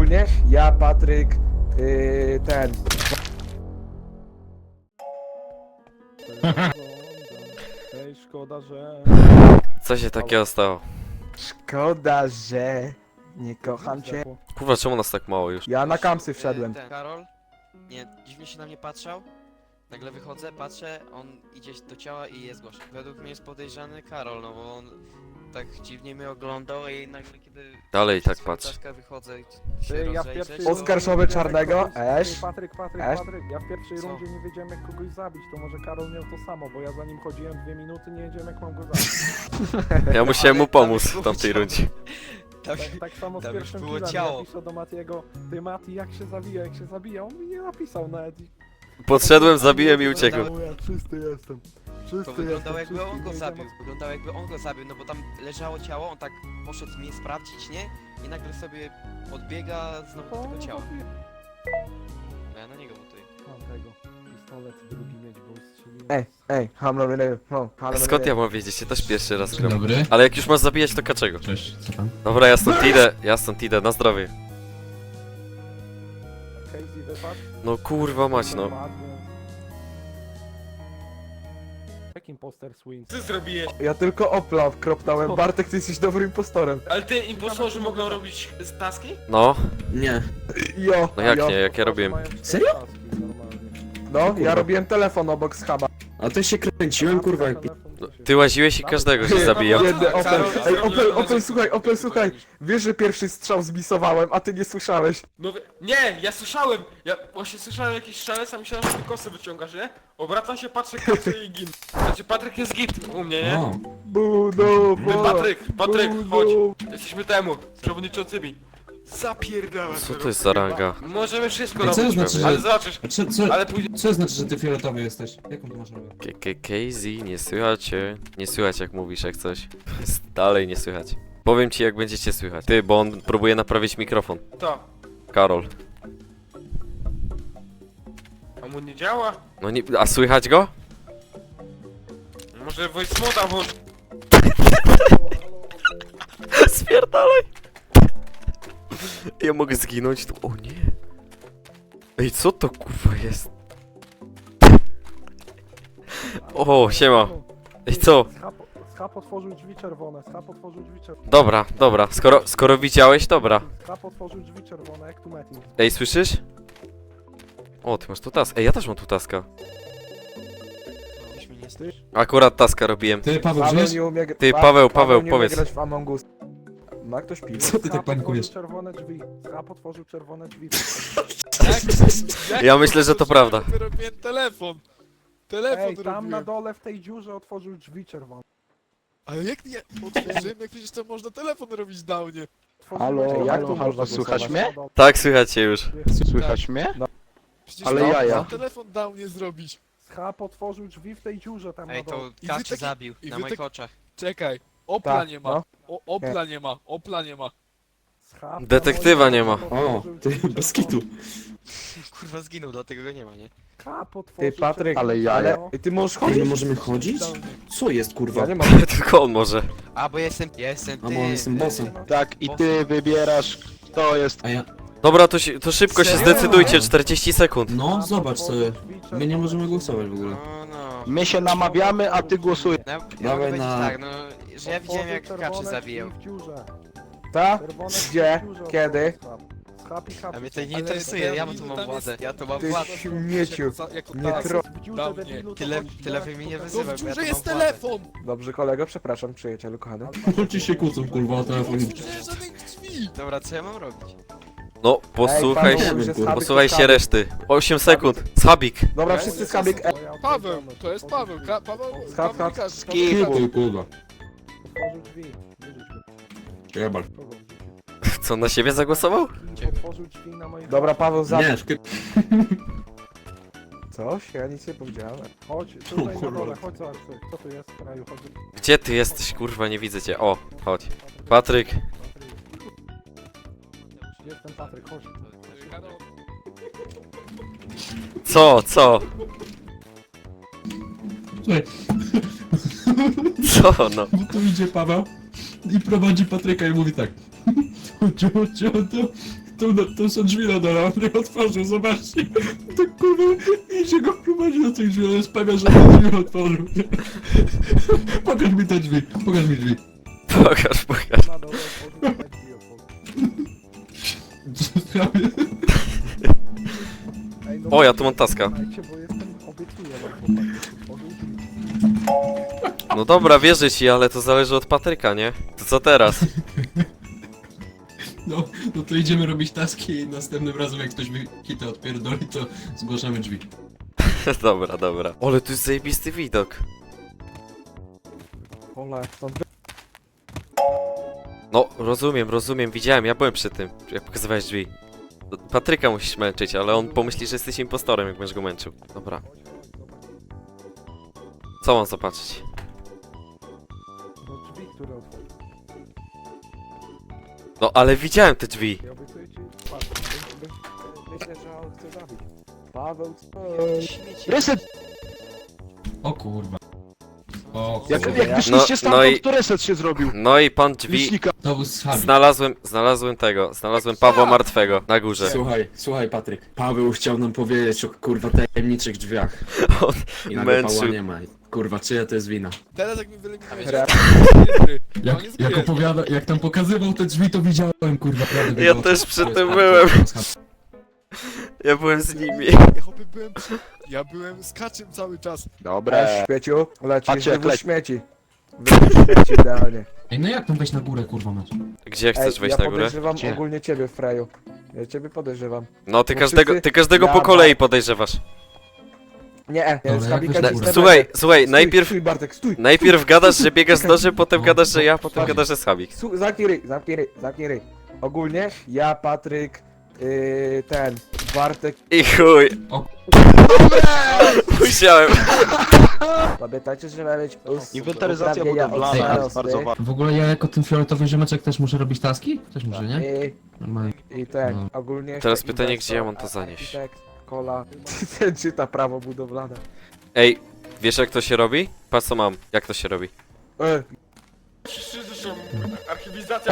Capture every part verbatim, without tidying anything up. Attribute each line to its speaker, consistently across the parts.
Speaker 1: ogólnie ja, Patryk, yy, ten...
Speaker 2: Ej, szkoda, że...
Speaker 3: Co się takiego stało?
Speaker 1: Szkoda, że nie kocham cię.
Speaker 3: Kurwa, czemu nas tak mało już?
Speaker 1: Ja na kampsy wszedłem.
Speaker 4: Ten Karol, nie, dziwnie się na mnie patrzał. Nagle wychodzę, patrzę, on idzie do ciała i jest głośno. Według mnie jest podejrzany Karol, no bo on tak dziwnie mnie oglądał i nagle kiedy...
Speaker 3: Dalej tak
Speaker 4: przez
Speaker 3: patrz.
Speaker 4: taska wychodzę i się
Speaker 2: Ty, ja w
Speaker 4: rozejrzeć,
Speaker 2: pierwszej
Speaker 4: to-
Speaker 1: Oskarżony czarnego,
Speaker 2: Ej,
Speaker 1: Esz.
Speaker 2: Patryk, Patryk,
Speaker 1: Esz.
Speaker 2: Patryk, ja w pierwszej
Speaker 4: Co?
Speaker 2: rundzie nie wiedziałem jak kogoś zabić, to może Karol miał to samo, bo ja za nim chodziłem dwie minuty, nie wiedziałem jak mam go zabić.
Speaker 3: Ja musiałem mu
Speaker 4: Ale tam
Speaker 3: pomóc
Speaker 4: było
Speaker 3: w tamtej
Speaker 4: ciało.
Speaker 3: rundzie.
Speaker 4: Tam,
Speaker 2: Tak, tak samo z
Speaker 4: tam już
Speaker 2: pierwszym
Speaker 4: było
Speaker 2: killem,
Speaker 4: ciało.
Speaker 2: ja piszę do Matiego, ty Mati jak się zabija, jak się zabija, on mi nie napisał nawet.
Speaker 3: Podszedłem, zabiłem i uciekłem.
Speaker 2: Ja czysty jestem, czysty
Speaker 4: to wyglądało
Speaker 2: jestem,
Speaker 4: jakby on
Speaker 2: czysty,
Speaker 4: go
Speaker 2: nie
Speaker 4: zabił.
Speaker 2: wiedziałem,
Speaker 4: Wyglądało jakby on go zabił, no bo tam leżało ciało, on tak poszedł mnie sprawdzić, nie? I nagle sobie odbiega znowu do
Speaker 2: o co-
Speaker 4: tego
Speaker 2: o,
Speaker 4: ciała.
Speaker 2: zabiję.
Speaker 4: No ja na niego butuję.
Speaker 2: Mam tego, pistolet drugi mieć, bo strzeliłem.
Speaker 1: Ej, ej, hamlo mnie, no, hamlo
Speaker 3: Skąd ja mam wiedzieć? Ja też pierwszy raz
Speaker 5: Dzień
Speaker 3: gram.
Speaker 5: dobry.
Speaker 3: Ale jak już masz zabijać, to dlaczego?
Speaker 5: Cześć, co tam?
Speaker 3: Dobra, ja stąd idę, ja stąd idę, na zdrowie.
Speaker 2: Casey wypadł.
Speaker 3: No kurwa mać, no.
Speaker 2: Jakim poster Swings?
Speaker 6: Ty zrobiłeś,
Speaker 1: Ja tylko Opla kropnąłem. Bartek, ty jesteś dobrym impostorem.
Speaker 6: ale ty impostorzy mogą robić taski?
Speaker 3: No,
Speaker 7: Nie.
Speaker 1: Jo,
Speaker 3: no jak
Speaker 1: jo.
Speaker 3: nie, jak ja robiłem.
Speaker 7: Serio?
Speaker 1: No, ja robiłem telefon obok schaba.
Speaker 7: A to się kręciłem, kurwa, jak...
Speaker 3: No, ty łaziłeś i każdego się zabijał.
Speaker 1: Biedny Opel.
Speaker 6: Karol,
Speaker 1: Ej,
Speaker 6: zrobił
Speaker 1: Opel,
Speaker 6: na
Speaker 1: Opel,
Speaker 6: razie-
Speaker 1: słuchaj, Opel, słuchaj. Wiesz, że pierwszy strzał zmisowałem, a ty nie słyszałeś.
Speaker 6: No wie- nie, ja słyszałem, ja właśnie słyszałem jakiś szalec, a myślałem, że ty kosy wyciągasz, nie? Obracam się, patrzę, kapsy i gin. Znaczy Patryk jest git u mnie, nie?
Speaker 7: O,
Speaker 1: Budo,
Speaker 6: Ty Patryk, Patryk,
Speaker 1: Budo.
Speaker 6: chodź, jesteśmy temu, przewodniczącymi. Zapierdałem.
Speaker 3: Co to jest za ranga?
Speaker 6: Możemy wszystko
Speaker 5: Ej, co
Speaker 6: robić,
Speaker 5: znaczy, że-
Speaker 6: ale zobaczysz,
Speaker 5: A co, co,
Speaker 6: ale później...
Speaker 5: co znaczy, że ty fioletowy jesteś? Jaką ty masz rolę?
Speaker 3: K K K Z, nie słychać cię. Nie słychać jak mówisz jak coś. Jest dalej nie słychać. Powiem ci jak będziecie słychać. Ty, bo on próbuje naprawić mikrofon.
Speaker 6: To,
Speaker 3: Karol.
Speaker 6: a mu nie działa?
Speaker 3: No nie, a słychać go?
Speaker 6: Może voice moda włącz...
Speaker 3: Spierdalaj! Ja mogę zginąć tu. O nie. Ej, co to kurwa jest? O, siema. Ej, co?
Speaker 2: Schab, schab otworzył drzwi czerwone, schab otworzył drzwi czerwone.
Speaker 3: Dobra, dobra. Skoro, skoro widziałeś, dobra.
Speaker 2: Schab otworzył drzwi czerwone, jak tu Metin.
Speaker 3: Ej, słyszysz? O, ty masz tu task. Ej, ja też mam tu taska.
Speaker 4: Myśmy nie stać.
Speaker 3: Akurat taska robiłem.
Speaker 5: Ty, Paweł,
Speaker 1: Paweł
Speaker 5: żyjesz?
Speaker 1: nie umie... gr-
Speaker 3: Ty,
Speaker 1: Pa-
Speaker 3: Paweł, Paweł,
Speaker 1: nie umie
Speaker 3: powiedz.
Speaker 1: grać w Among Us. Ma ktoś piwo?
Speaker 5: Co ty tak
Speaker 2: Schab
Speaker 5: panikujesz?
Speaker 2: otworzył czerwone drzwi, schab otworzył czerwone drzwi.
Speaker 3: Ja myślę, że to prawda.
Speaker 8: Robiłem telefon. Telefon
Speaker 2: Ej, tam
Speaker 8: robiłem.
Speaker 2: na dole w tej dziurze otworzył drzwi czerwone.
Speaker 8: Ale jak nie otworzyłem, jak przecież to można telefon robić downie.
Speaker 2: Otworzył
Speaker 1: Halo,
Speaker 2: drzwi
Speaker 1: jak
Speaker 2: czerwone.
Speaker 1: tu można
Speaker 9: Słychać
Speaker 2: Na
Speaker 9: mnie?
Speaker 2: dole.
Speaker 3: Tak, słychać cię już.
Speaker 9: Słychać mnie?
Speaker 8: Przecież
Speaker 9: Ale
Speaker 8: to
Speaker 9: jaja.
Speaker 8: można telefon downie zrobić.
Speaker 2: Schab otworzył drzwi w tej dziurze tam
Speaker 4: Ej,
Speaker 2: na dole.
Speaker 4: to
Speaker 8: I wy
Speaker 4: Kaczy
Speaker 8: taki-
Speaker 4: zabił,
Speaker 8: i
Speaker 4: na
Speaker 8: wy
Speaker 4: moich
Speaker 8: tak-
Speaker 4: oczach.
Speaker 8: Czekaj, Opla
Speaker 1: Tak,
Speaker 8: nie ma.
Speaker 1: no.
Speaker 8: O, Opla nie ma, Opla nie ma.
Speaker 2: Schab na
Speaker 3: Detektywa
Speaker 2: moich
Speaker 3: nie ma.
Speaker 2: oczach
Speaker 7: o,
Speaker 2: otworzył
Speaker 7: ty,
Speaker 2: drzwi
Speaker 7: bez
Speaker 2: czerwone.
Speaker 7: kitu.
Speaker 4: Kurwa zginął, dlatego go nie ma, nie?
Speaker 2: Schab otworzył
Speaker 1: Ty, Patryk,
Speaker 2: czerwone
Speaker 9: ale ja-
Speaker 2: drzwi,
Speaker 1: Ale...
Speaker 2: no.
Speaker 1: Ej, ty możesz
Speaker 7: Ej, my
Speaker 1: chodzić?
Speaker 7: możemy chodzić? Co jest, kurwa?
Speaker 1: Ja nie mam.
Speaker 3: Tylko on może.
Speaker 4: A, bo jestem, ja jestem
Speaker 7: A
Speaker 4: ty.
Speaker 7: bo on jestem bossem.
Speaker 9: Tak, i ty wybierasz, kto jest...
Speaker 5: A ja...
Speaker 3: Dobra, to, się, to szybko się
Speaker 4: Serio?
Speaker 3: zdecydujcie, czterdzieści sekund.
Speaker 5: No,
Speaker 2: Schab
Speaker 5: zobacz
Speaker 2: otworzył
Speaker 5: sobie.
Speaker 2: drzwi
Speaker 5: My nie
Speaker 2: czerwone.
Speaker 5: możemy głosować w ogóle.
Speaker 4: No, no.
Speaker 9: My się namawiamy, a ty głosujesz.
Speaker 4: No, ja
Speaker 5: Dawaj
Speaker 4: mogę powiedzieć
Speaker 5: na-
Speaker 4: tak, no, że ja widziałem
Speaker 2: Otworzył
Speaker 4: jak
Speaker 2: czerwone
Speaker 4: Kaczy
Speaker 2: drzwi
Speaker 4: zabijał.
Speaker 2: w dziurze.
Speaker 1: Ta?
Speaker 2: Czerwone
Speaker 1: Gdzie?
Speaker 2: drzwi w dziurze
Speaker 1: Kiedy?
Speaker 2: otworzył schab. Schab i schab.
Speaker 4: A mnie to nie
Speaker 8: Ale
Speaker 4: interesuje, ja tu mam
Speaker 8: tam
Speaker 4: władzę,
Speaker 8: jest-
Speaker 4: ja tu mam
Speaker 1: Ty
Speaker 4: władzę.
Speaker 1: śmieciu. Nie
Speaker 8: tak,
Speaker 1: tro...
Speaker 2: W dziurze
Speaker 8: Dawnie.
Speaker 2: debilu, to
Speaker 4: Tyle-
Speaker 2: chodź
Speaker 4: tyle
Speaker 2: do
Speaker 4: wy mnie nie
Speaker 2: jak
Speaker 8: To
Speaker 4: wyzywaj,
Speaker 8: w
Speaker 4: bo ja
Speaker 8: dziurze
Speaker 4: tu
Speaker 8: jest
Speaker 4: mam władzę.
Speaker 8: telefon!
Speaker 1: Dobrze, kolego, przepraszam, przyjacielu kochany.
Speaker 5: Chodźcie się kłócą, kurwa, o
Speaker 8: No
Speaker 5: telefon.
Speaker 8: w dziurze żadnych drzwi!
Speaker 4: Dobra, co ja mam robić?
Speaker 3: No, posłuchaj
Speaker 1: Ej,
Speaker 3: się,
Speaker 1: Paweł, że schabik
Speaker 3: posłuchaj
Speaker 1: to
Speaker 3: się
Speaker 1: schabik.
Speaker 3: reszty. osiem sekund. Schabik.
Speaker 1: Dobra,
Speaker 8: Ja
Speaker 1: wszyscy
Speaker 8: nie
Speaker 1: schabik. E,
Speaker 8: Paweł, to jest Paweł, Ka Paweł,
Speaker 1: Schab,
Speaker 8: Paweł
Speaker 1: schab.
Speaker 8: Kasz-
Speaker 9: Skip.
Speaker 5: Ty, kurwa.
Speaker 2: Otworzył drzwi. Wyrzuć go.
Speaker 5: Jebal.
Speaker 2: Kogo wrzucić?
Speaker 3: Co, na siebie zagłosował?
Speaker 2: Otworzył drzwi na moich
Speaker 1: Dobra,
Speaker 2: oczach.
Speaker 1: Paweł, za...
Speaker 5: Nie, szky...
Speaker 1: Coś? Ja nic nie powiedziałem.
Speaker 2: Chodź, tutaj na dole, chodź zobacz, co tu jest w kraju, chodź.
Speaker 3: Gdzie ty jesteś, kurwa, nie widzę cię. O, chodź. Patryk.
Speaker 2: Jestem Patryk, chodź.
Speaker 3: Co, co?
Speaker 5: Słuchaj,
Speaker 3: Co, no?
Speaker 5: bo tu idzie Paweł i prowadzi Patryka i mówi tak. Chodźcie, chodźcie, chodźcie. To, to są drzwi na dole, on nie otworzył, zobaczcie. Tak kurwa, idzie go prowadzi do tych drzwi, ale jest pewien, że ten drzwi otworzył. Pokaż mi te drzwi, pokaż mi drzwi.
Speaker 3: Pokaż, pokaż.
Speaker 2: Na dole otworzył te drzwi, otworzył. Ej, no
Speaker 3: O, ja tu mam taska.
Speaker 2: słuchajcie, bo jestem, obiecuję wam, chłopaki, otworzył drzwi.
Speaker 3: No dobra, wierzę ci, ale to zależy od Patryka, nie? To co teraz?
Speaker 5: No, no to idziemy robić taski i następnym razem jak ktoś mi kitę odpierdoli, to zgłaszamy drzwi.
Speaker 3: Dobra, dobra. Ale tu jest zajebisty widok.
Speaker 2: Ola, stąd
Speaker 3: No, rozumiem, rozumiem, widziałem, ja byłem przy tym, jak pokazywałeś drzwi. Patryka musisz męczyć, ale on pomyśli, że jesteś impostorem, jak będziesz go męczył. Dobra. Co mam zobaczyć?
Speaker 2: do drzwi, które otworzył.
Speaker 3: No, ale widziałem te drzwi.
Speaker 2: Ja obiecuję ci, patrz, my- my- myślę, że on chce zabić. Paweł, co?
Speaker 4: Śmieci.
Speaker 9: Reset!
Speaker 5: O kurwa. O
Speaker 9: Jak,
Speaker 5: kurwa.
Speaker 9: jak
Speaker 3: No-
Speaker 9: wyszliście
Speaker 3: no
Speaker 9: stamtąd,
Speaker 3: i-
Speaker 9: to reset się zrobił.
Speaker 3: No i pan drzwi...
Speaker 9: Licznika.
Speaker 5: To był schabi.
Speaker 3: Znalazłem, znalazłem tego, znalazłem Pawła Martwego na górze.
Speaker 7: Słuchaj, słuchaj Patryk. Paweł chciał nam powiedzieć o kurwa tajemniczych drzwiach.
Speaker 3: On
Speaker 7: I nagle Pawła
Speaker 3: męczył.
Speaker 7: nie ma. Kurwa, czyja to jest wina?
Speaker 8: Teraz jak mi wyeliminujesz,
Speaker 2: Re-
Speaker 5: Jak, jak opowiada, jak tam pokazywał te drzwi, to widziałem kurwa. prawdę
Speaker 3: Ja
Speaker 5: było.
Speaker 3: też przy
Speaker 5: To jest
Speaker 3: tym
Speaker 5: schabi,
Speaker 3: byłem.
Speaker 5: to jest schabi.
Speaker 3: Ja byłem z nimi.
Speaker 8: Ja chłopie byłem przy... Ja byłem z kaczym cały czas.
Speaker 9: Dobra.
Speaker 2: Ej, śmieciu, lecisz,
Speaker 9: Patrzcie, jak
Speaker 2: wywóz
Speaker 9: leci.
Speaker 2: śmieci. Wywóz śmieci, idealnie.
Speaker 5: Ej, no jak tam wejść na górę kurwa mać?
Speaker 3: Gdzie chcesz
Speaker 2: Ej,
Speaker 3: wejść
Speaker 2: ja
Speaker 3: na górę?
Speaker 2: podejrzewam
Speaker 9: Gdzie?
Speaker 2: ogólnie ciebie, Freju. Ja ciebie podejrzewam.
Speaker 3: No, ty
Speaker 2: Bo
Speaker 3: każdego,
Speaker 2: wszyscy-
Speaker 3: ty każdego
Speaker 2: Ja
Speaker 3: po
Speaker 2: ma-
Speaker 3: kolei podejrzewasz.
Speaker 2: Nie, nie,
Speaker 5: Dobra,
Speaker 2: z
Speaker 5: jak
Speaker 2: Habika
Speaker 5: wyjść
Speaker 2: nic
Speaker 5: na
Speaker 2: nie
Speaker 3: No, Słuchaj,
Speaker 2: będzie.
Speaker 3: słuchaj,
Speaker 2: Stój,
Speaker 3: najpierw...
Speaker 2: Stój, Bartek, stój!
Speaker 3: Najpierw gadasz, że biegasz z nożem, potem gadasz, że ja, potem
Speaker 5: Chodź.
Speaker 3: gadasz, że Schabik.
Speaker 2: Stój, zamknij ryj, zamknij ryj, zamknij ryj. Ogólnie, ja, Patryk, yy, ten, Bartek,
Speaker 3: I chuj.
Speaker 5: O.
Speaker 3: Musiałem.
Speaker 2: pamiętajcie, że ma być us-
Speaker 9: Inwentaryzacja
Speaker 2: uprawnienia
Speaker 9: budowlana
Speaker 2: od
Speaker 9: jest bardzo
Speaker 2: starosty.
Speaker 9: ważna.
Speaker 5: W ogóle ja jako ten fioletowy ziomeczek też muszę robić taski? Też muszę, nie?
Speaker 2: I,
Speaker 5: Normalnie.
Speaker 2: i ten,
Speaker 5: No.
Speaker 2: ogólnie...
Speaker 3: Teraz
Speaker 2: jeszcze
Speaker 3: pytanie,
Speaker 2: inwestor,
Speaker 3: gdzie ja mam to
Speaker 2: a-
Speaker 3: zanieść?
Speaker 2: Architekt, kola, ten czyta prawo budowlane.
Speaker 3: Ej, wiesz jak to się robi? Patrz co mam, jak to się robi.
Speaker 2: E,
Speaker 6: Wszyscy zresztą archiwizacja.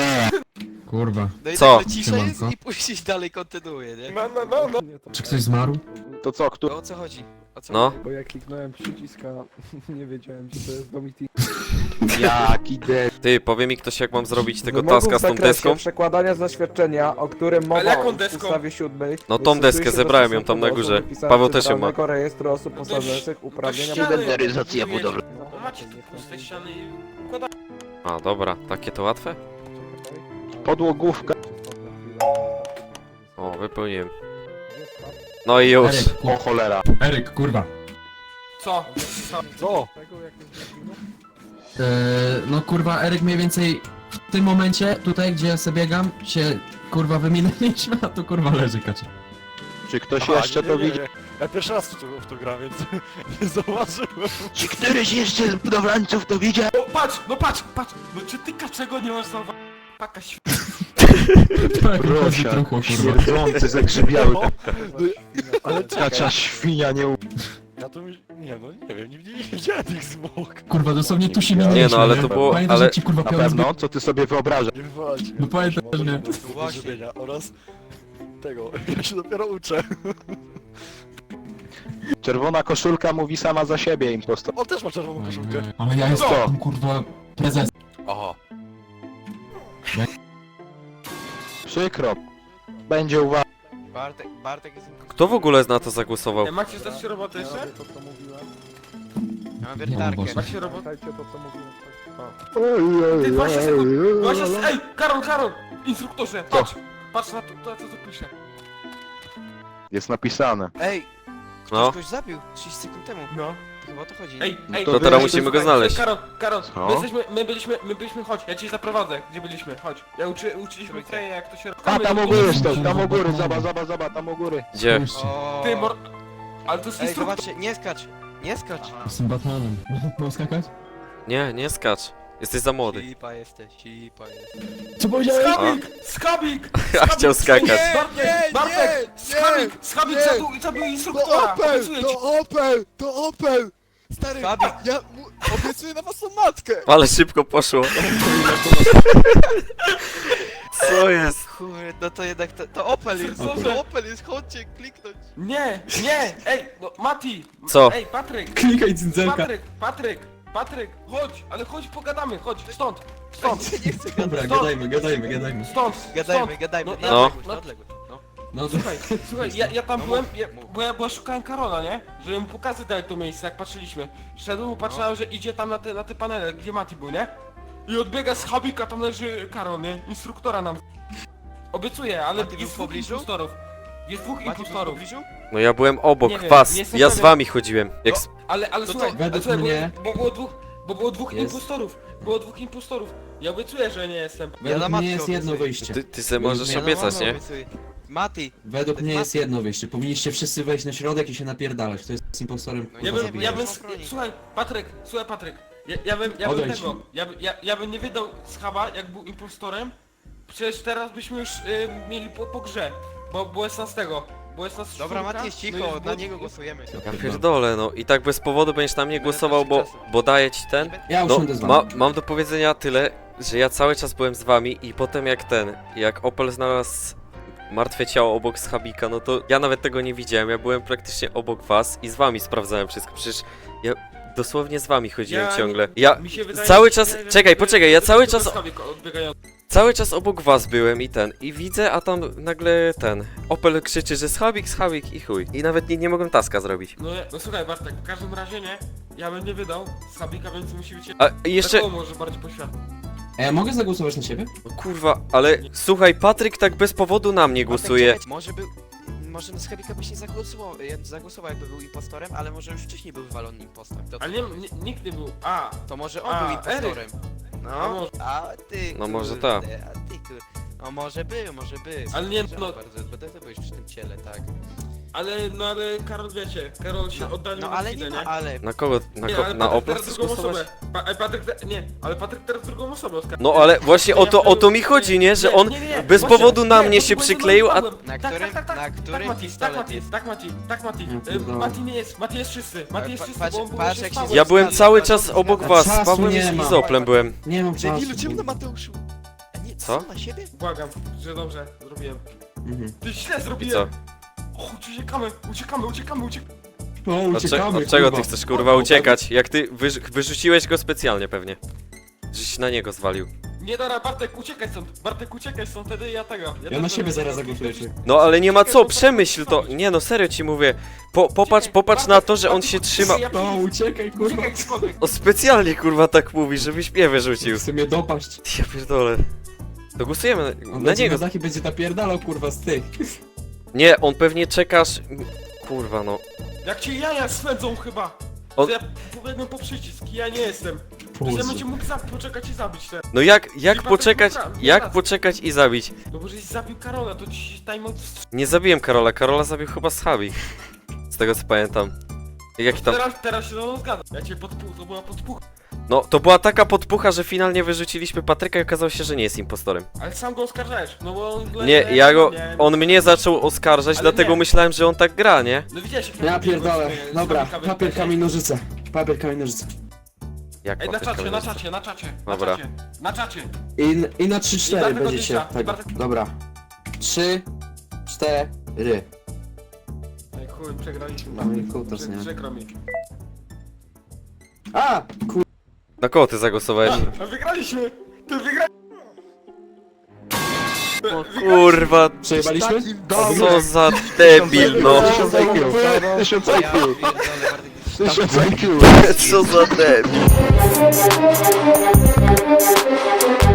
Speaker 5: Kurwa.
Speaker 4: No i
Speaker 3: Co?
Speaker 4: nagle cisza jest
Speaker 5: Siemanko.
Speaker 4: i później dalej kontynuuje, nie?
Speaker 6: No, no, no, no.
Speaker 2: nie, to-
Speaker 5: Czy ktoś zmarł?
Speaker 9: To co, kto?
Speaker 4: To o co chodzi? O co
Speaker 3: No.
Speaker 4: chodzi?
Speaker 2: Bo jak kliknąłem przyciska, nie wiedziałem, że to jest do meeting.
Speaker 9: Jak idę.
Speaker 3: Ty, powie mi ktoś jak mam zrobić tego
Speaker 2: Wymogów
Speaker 3: taska z
Speaker 2: w
Speaker 3: tą
Speaker 2: zakresie
Speaker 3: deską?
Speaker 2: przekładania zaświadczenia, o którym mowa
Speaker 6: Ale jaką
Speaker 2: w
Speaker 6: deską?
Speaker 2: ustawie siódmej.
Speaker 3: No tą
Speaker 2: stosuje
Speaker 3: deskę,
Speaker 2: się do
Speaker 3: zebrałem ją tam na
Speaker 2: stosunku do
Speaker 3: górze.
Speaker 2: osób wypisanych
Speaker 3: Paweł
Speaker 2: z
Speaker 3: też ją ma.
Speaker 2: Centralnego Rejestru Osób Posiadających Uprawnienia
Speaker 6: ściany.
Speaker 9: Inwentaryzacja budowlana.
Speaker 6: No macie tu z tej ściany i układacie.
Speaker 3: A, dobra, takie to łatwe?
Speaker 9: Podłogówka.
Speaker 3: O, wypełniłem. No i już.
Speaker 5: Eryk,
Speaker 9: O cholera.
Speaker 5: Eryk, kurwa.
Speaker 6: Co?
Speaker 2: Co? Tego, jak jest zginął?
Speaker 5: Eee, no kurwa, Eryk mniej więcej w tym momencie, tutaj gdzie ja sobie biegam, się kurwa wyminęliśmy, a tu kurwa leży kaczy.
Speaker 9: Czy ktoś jeszcze to widzi?
Speaker 8: Ja pierwszy raz w to, w to gram, więc nie zauważyłem.
Speaker 9: Czy któryś jeszcze z budowlańców to widział?
Speaker 6: O, patrz, no patrz, patrz. No czy ty kaczego nie masz zauważyć? Paka św...
Speaker 5: Tak,
Speaker 9: Prosia,
Speaker 5: truchło, kurwa.
Speaker 9: śmierdzący, zagrzybiały.
Speaker 8: Ale
Speaker 9: Kacza świnia nie u...
Speaker 8: ja to mi... Nie no, nie wiem, nie, nie widziałem tych zwłok.
Speaker 5: Kurwa, dosłownie tu się
Speaker 9: Nie,
Speaker 5: minęliśmy.
Speaker 3: no, ale to było-
Speaker 5: Pamiętasz,
Speaker 3: ale-
Speaker 5: że ci kurwa
Speaker 9: Na
Speaker 5: piorun
Speaker 9: pewno, co ty sobie wyobrażasz?
Speaker 8: Nie wywalać mnie.
Speaker 5: No pamiętam,
Speaker 8: Mogę
Speaker 5: że nie.
Speaker 8: do tego
Speaker 4: Właśnie.
Speaker 8: zrobienia oraz tego, ja się dopiero uczę.
Speaker 9: Czerwona koszulka mówi sama za siebie, impostor.
Speaker 8: On też ma czerwoną koszulkę.
Speaker 5: Ale ja jestem
Speaker 9: Co?
Speaker 5: kurwa prezes.
Speaker 3: O,
Speaker 9: Przykro. Będzie uwaga.
Speaker 4: Bartek, Bartek jest...
Speaker 3: kto w ogóle na to zagłosował?
Speaker 6: E, Macie zdać się robotę jeszcze?
Speaker 2: To, co mówiłem.
Speaker 4: Ja mam
Speaker 5: Nie,
Speaker 4: wiertarkę.
Speaker 5: Boże.
Speaker 6: Macie robotę?
Speaker 2: Pamiętajcie to, co mówiłem.
Speaker 6: Ty, dwadzieścia sekund! dwadzieścia sekund! Ej, Karol, Karol! Instruktorze, patrz! Patrz na to, to co tu pisze.
Speaker 9: Jest napisane.
Speaker 4: Ej! Ktoś
Speaker 3: No.
Speaker 4: kogoś zabił trzydzieści sekund temu.
Speaker 6: No.
Speaker 4: Chyba o to chodzi.
Speaker 6: Ej,
Speaker 9: No
Speaker 6: ej,
Speaker 9: to
Speaker 3: To teraz
Speaker 9: wy-
Speaker 3: musimy go
Speaker 6: Słuchaj,
Speaker 3: znaleźć.
Speaker 6: Karol, Karol,
Speaker 9: Co?
Speaker 6: my jesteśmy, my byliśmy, my byliśmy, chodź, ja cię zaprowadzę, gdzie byliśmy, chodź. Ja uczy, uczyliśmy
Speaker 4: Trójkę.
Speaker 6: Freya, jak to się robi.
Speaker 9: A tam u góry stoi, tam u góry, zaba, zaba, zaba, tam u góry.
Speaker 3: Gdzie?
Speaker 5: Spójrzcie,
Speaker 4: O...
Speaker 6: Ty, mor... Ale to jest
Speaker 4: Ej,
Speaker 6: instruktor.
Speaker 4: zobaczcie, nie skacz! Nie skacz!
Speaker 5: Jestem Batmanem. Mam skakać?
Speaker 3: Nie, nie skacz. Jesteś za młody.
Speaker 4: Sipa jesteś, sipa jesteś.
Speaker 5: Co powiedziałeś?
Speaker 6: Skabik! Skabik!
Speaker 3: Ja chciał skakać.
Speaker 6: Bartek,
Speaker 8: nie,
Speaker 6: Bartek!
Speaker 8: nie,
Speaker 6: Skabik! Skabik
Speaker 8: nie.
Speaker 6: zabił, zabił
Speaker 8: To
Speaker 6: instruktora!
Speaker 8: Opel!
Speaker 6: Obiecuję ci.
Speaker 8: To Opel! To Opel! Stary,
Speaker 4: Skabik.
Speaker 8: ja mu obiecuję na własną matkę!
Speaker 3: Ale szybko poszło. Co jest?
Speaker 4: Kurde, no to jednak to, to Opel jest,
Speaker 6: Co
Speaker 4: to
Speaker 6: za-
Speaker 4: Opel jest, chodźcie, kliknąć.
Speaker 6: Nie, nie, ej, no Mati!
Speaker 3: Co?
Speaker 6: Ej, Patryk!
Speaker 5: Klikaj cyndzelka.
Speaker 6: Patryk, Patryk, Patryk, chodź, ale chodź pogadamy, chodź, stąd, stąd,
Speaker 4: Nie chcę
Speaker 5: Dobra,
Speaker 4: gadać.
Speaker 5: gadajmy, gadajmy, gadajmy.
Speaker 6: stąd,
Speaker 4: Gadajmy,
Speaker 6: stąd.
Speaker 4: gadajmy,
Speaker 6: No,
Speaker 4: na
Speaker 3: no.
Speaker 4: odległość, na odległość, no.
Speaker 5: No
Speaker 6: Słuchaj, słuchaj, ja, ja tam
Speaker 4: No
Speaker 6: byłem,
Speaker 4: mów,
Speaker 6: ja,
Speaker 4: mów.
Speaker 6: bo ja, bo ja szukałem Karola, nie? Żeby mu pokazać dać to miejsce, jak patrzyliśmy. Szedłem, patrzyłem, że idzie tam na te, na te panele, gdzie Mati był, nie? I odbiega z Habika, tam leży Karol, nie? Instruktora nam. Obiecuję, ale
Speaker 4: Mati był
Speaker 6: jest
Speaker 4: w
Speaker 6: dwóch
Speaker 4: pobliżu?
Speaker 6: impostorów. Jest dwóch
Speaker 4: Macie tu w
Speaker 6: impostorów.
Speaker 4: pobliżu?
Speaker 3: No ja byłem obok
Speaker 6: Nie wiem,
Speaker 3: was,
Speaker 6: nie jestem
Speaker 3: ja z
Speaker 6: pewien.
Speaker 3: wami chodziłem. Jak...
Speaker 6: No,
Speaker 3: s-
Speaker 6: ale, ale
Speaker 4: to
Speaker 6: słuchaj, ale
Speaker 5: według
Speaker 6: słuchaj,
Speaker 5: mnie
Speaker 6: bo, bo było dwóch, bo było dwóch
Speaker 5: jest-
Speaker 6: impostorów. Było dwóch impostorów. Ja obiecuję, że nie jestem.
Speaker 4: Ja
Speaker 5: Według
Speaker 4: na
Speaker 5: mnie
Speaker 4: matkę
Speaker 5: jest jedno
Speaker 4: obiecuję.
Speaker 5: wyjście.
Speaker 3: Ty, ty se możesz
Speaker 5: Ja na
Speaker 3: obiecać,
Speaker 4: mamę
Speaker 3: nie?
Speaker 4: obiecuję. Mati,
Speaker 5: Według mnie
Speaker 4: Ma-
Speaker 5: jest jedno wyjście. Powinniście wszyscy wejść na środek i się napierdalać. To jest z impostorem.
Speaker 4: No
Speaker 6: Ja
Speaker 4: nie
Speaker 5: kurwa,
Speaker 6: bym,
Speaker 4: wiem,
Speaker 6: ja
Speaker 5: zabijać.
Speaker 6: bym,
Speaker 4: broni.
Speaker 6: słuchaj, Patryk, słuchaj Patryk. Ja, ja bym, ja bym
Speaker 5: Odejdź.
Speaker 6: tego, ja, by- ja, ja bym nie wydał schaba, jak był impostorem. Przecież teraz byśmy już y, mieli po, po grze. Bo było jest nas tego, było jest nas
Speaker 4: dobra,
Speaker 6: czwórka,
Speaker 4: Mati jest
Speaker 6: no
Speaker 4: cicho,
Speaker 6: jest
Speaker 4: na
Speaker 6: było-
Speaker 4: niego głosujemy.
Speaker 3: Ja pierdolę, no i tak bez powodu będziesz na mnie
Speaker 4: Będę
Speaker 3: głosował, bo,
Speaker 4: tracił czasu.
Speaker 3: bo daję ci ten.
Speaker 5: Ja
Speaker 3: No,
Speaker 5: usiądę z
Speaker 3: ma,
Speaker 5: wami.
Speaker 3: mam do powiedzenia tyle, że ja cały czas byłem z wami i potem jak ten, jak Opel znalazł martwe ciało obok schabika, no to ja nawet tego nie widziałem, ja byłem praktycznie obok was i z wami sprawdzałem wszystko, przecież ja dosłownie z wami chodziłem
Speaker 6: Ja-
Speaker 3: ciągle. Ja
Speaker 6: Mi się wydaje,
Speaker 3: cały
Speaker 6: że-
Speaker 3: czas,
Speaker 6: że-
Speaker 3: czekaj,
Speaker 6: że-
Speaker 3: poczekaj, ja
Speaker 6: że-
Speaker 3: cały
Speaker 6: że
Speaker 3: czas,
Speaker 6: Schabik odbiegający.
Speaker 3: cały czas obok was byłem i ten, i widzę, a tam nagle ten, Opel krzyczy, że schabik, schabik i chuj. I nawet nie, nie mogłem taska zrobić.
Speaker 6: No, ja- no słuchaj Bartek, w każdym razie nie, ja bym nie wydał Schabika, więc musi być...
Speaker 3: A i jeszcze,
Speaker 6: Takowo może bardziej poświadczyć.
Speaker 5: A ja mogę zagłosować na siebie?
Speaker 3: no kurwa, ale słuchaj, Patryk tak bez powodu na mnie głosuje.
Speaker 4: Bartek, czekaj, może był... Może na Skabika byś nie zagłosował, ja zagłosował jakby był impostorem, ale może już wcześniej był wywalony impostor. To,
Speaker 6: Ale nie, nie, nikt nie był, a,
Speaker 4: to może on
Speaker 6: A,
Speaker 4: był impostorem.
Speaker 6: a
Speaker 4: No,
Speaker 6: może,
Speaker 4: a ty
Speaker 3: No może
Speaker 4: kurde,
Speaker 3: tak.
Speaker 4: A ty kurde. No może był, może był.
Speaker 6: Ale nie,
Speaker 4: Podejrzewam
Speaker 6: no-
Speaker 4: bardzo, bo ty ty byłeś przy tym ciele, tak.
Speaker 6: ale, no ale Karol wiecie, Karol się
Speaker 4: No,
Speaker 6: oddalił
Speaker 4: no
Speaker 6: na
Speaker 4: ale
Speaker 6: chwilę,
Speaker 4: nie ma, ale...
Speaker 3: Na kogo, na,
Speaker 6: Nie,
Speaker 3: ko,
Speaker 6: ale
Speaker 3: na
Speaker 6: Patryk
Speaker 3: Opel
Speaker 6: teraz
Speaker 3: chcesz
Speaker 6: drugą
Speaker 3: głosować?
Speaker 6: osobę. Pa, e, Patryk, te, nie, ale Patryk teraz drugą osobę oskarży.
Speaker 3: No ale właśnie o to, o to mi chodzi, nie? Że on bez powodu na mnie się przykleił, a...
Speaker 4: Na
Speaker 6: Tak,
Speaker 4: którym,
Speaker 6: tak, tak,
Speaker 4: na
Speaker 6: tak,
Speaker 4: którym
Speaker 6: tak Mati, tak
Speaker 4: pistolet
Speaker 6: Mati,
Speaker 4: jest?
Speaker 6: tak Mati, tak Mati.
Speaker 5: Ja
Speaker 6: E,
Speaker 5: pierdolę.
Speaker 6: Mati nie jest, Mati jest czysty, Mati jest
Speaker 4: Pa-
Speaker 6: czysty,
Speaker 4: patrz-
Speaker 6: bo on był
Speaker 4: patrz,
Speaker 6: jeszcze
Speaker 4: jak
Speaker 6: stały.
Speaker 4: się
Speaker 3: Ja byłem
Speaker 4: Zgadza,
Speaker 3: cały
Speaker 4: zgadza,
Speaker 3: czas obok
Speaker 4: zgadza.
Speaker 3: was, z
Speaker 5: Czasu
Speaker 3: Pawłem
Speaker 5: nie
Speaker 3: i
Speaker 5: ma.
Speaker 3: z Oplem byłem.
Speaker 5: Nie mam czasu.
Speaker 4: Debilu, czemu na Mateuszu? A nie,
Speaker 3: Co?
Speaker 4: co? Na siebie?
Speaker 6: Błagam, że dobrze zrobiłem.
Speaker 5: Mhm.
Speaker 6: Ty źle
Speaker 3: I
Speaker 6: zrobiłem. Chodź, uciekamy, uciekamy, uciekamy, uciekamy.
Speaker 5: O,
Speaker 3: Od, cze-
Speaker 5: uciekamy,
Speaker 3: od czego
Speaker 5: kurwa.
Speaker 3: ty chcesz kurwa uciekać? Jak ty wyrz wyrzuciłeś go specjalnie pewnie. Żeś na niego zwalił.
Speaker 6: Nie dobra, Bartek, uciekaj stąd, Bartek, uciekaj stąd, wtedy ja tego.
Speaker 5: Ja
Speaker 6: też
Speaker 5: na siebie
Speaker 6: będę-
Speaker 5: zaraz zagłosuję. czy-
Speaker 3: No ale nie ma
Speaker 6: Uciekaj,
Speaker 3: co,
Speaker 6: bo-
Speaker 3: przemyśl to. Nie no, serio ci mówię. Po, popatrz,
Speaker 6: Uciekaj,
Speaker 3: popatrz na
Speaker 6: Bartek,
Speaker 3: to, że on
Speaker 6: Bartek,
Speaker 3: się trzyma...
Speaker 6: ja
Speaker 5: O, uciekaj, kurwa.
Speaker 6: Uciekaj skądś.
Speaker 3: O, specjalnie kurwa tak mówi, żebyś mnie wyrzucił.
Speaker 5: Chce mnie dopaść.
Speaker 3: Ja pierdolę. To głosujemy na,
Speaker 5: On
Speaker 3: na
Speaker 5: będzie
Speaker 3: niego.
Speaker 5: na dach i będzie napierdalał, kurwa, z tych.
Speaker 3: Nie, on pewnie czekasz... Kurwa no.
Speaker 6: Jak cię jaja swędzą chyba.
Speaker 3: On-
Speaker 6: To ja pobiegłem po przycisk, ja nie jestem. Przecież ja będzie mógł za poczekać i zabić teraz.
Speaker 3: No jak, jak
Speaker 6: Bartek
Speaker 3: poczekać,
Speaker 6: wygra-
Speaker 3: jak
Speaker 6: wygra.
Speaker 3: poczekać i zabić?
Speaker 6: No bo żeś zabił Karola, to ci się timeout wstrzymał.
Speaker 3: Nie zabiłem Karola, Karola zabił chyba Schabi. Z tego co pamiętam. Jaki tam...
Speaker 6: Teraz, teraz się ze mną zgadza. Ja cię podpuch, to była podpucha.
Speaker 3: No, to była taka podpucha, że finalnie wyrzuciliśmy Patryka i okazało się, że nie jest impostorem.
Speaker 6: Ale sam go oskarżałeś, no bo on... le-
Speaker 3: Nie,
Speaker 6: le-
Speaker 3: ja go...
Speaker 6: nie-
Speaker 3: On mnie zaczął oskarżać,
Speaker 6: Ale
Speaker 3: dlatego
Speaker 6: nie.
Speaker 3: myślałem, że on tak gra, nie?
Speaker 6: No widziałeś jak
Speaker 5: Ja
Speaker 6: robię,
Speaker 5: pierdolę.
Speaker 6: z- z
Speaker 5: Dobra,
Speaker 6: Fabryka
Speaker 5: papier,
Speaker 6: wyjechałeś.
Speaker 5: kamień, nożyce. Papier, kamień, nożyce.
Speaker 3: Jak
Speaker 6: Ej, na
Speaker 3: papier,
Speaker 6: czacie,
Speaker 3: kamień,
Speaker 6: na
Speaker 3: nożyce.
Speaker 6: czacie, na czacie.
Speaker 3: Dobra.
Speaker 6: Na czacie, na czacie.
Speaker 5: I, i na trzy
Speaker 6: I
Speaker 5: cztery
Speaker 6: Bartek
Speaker 5: będziecie
Speaker 6: odlicza, i
Speaker 5: tego.
Speaker 6: Bartek-
Speaker 5: Dobra. trzy cztery.
Speaker 6: Ej, chuj, przegraliśmy.
Speaker 5: No i kutas,
Speaker 6: Prze-
Speaker 5: nie?
Speaker 6: Przykro mi.
Speaker 5: A! Kur...
Speaker 3: Na kogo ty zagłosowałeś?
Speaker 6: A, wygraliśmy! Ty wygraliśmy!
Speaker 3: O kurwa,
Speaker 5: Przejebaliśmy?
Speaker 3: co za debil, no.
Speaker 9: Tysiąc I Q. Tysiąc I
Speaker 4: Ja
Speaker 9: Q.
Speaker 4: pierdolę, Bartek,
Speaker 9: Tysiąc I Q.
Speaker 3: Co za debil.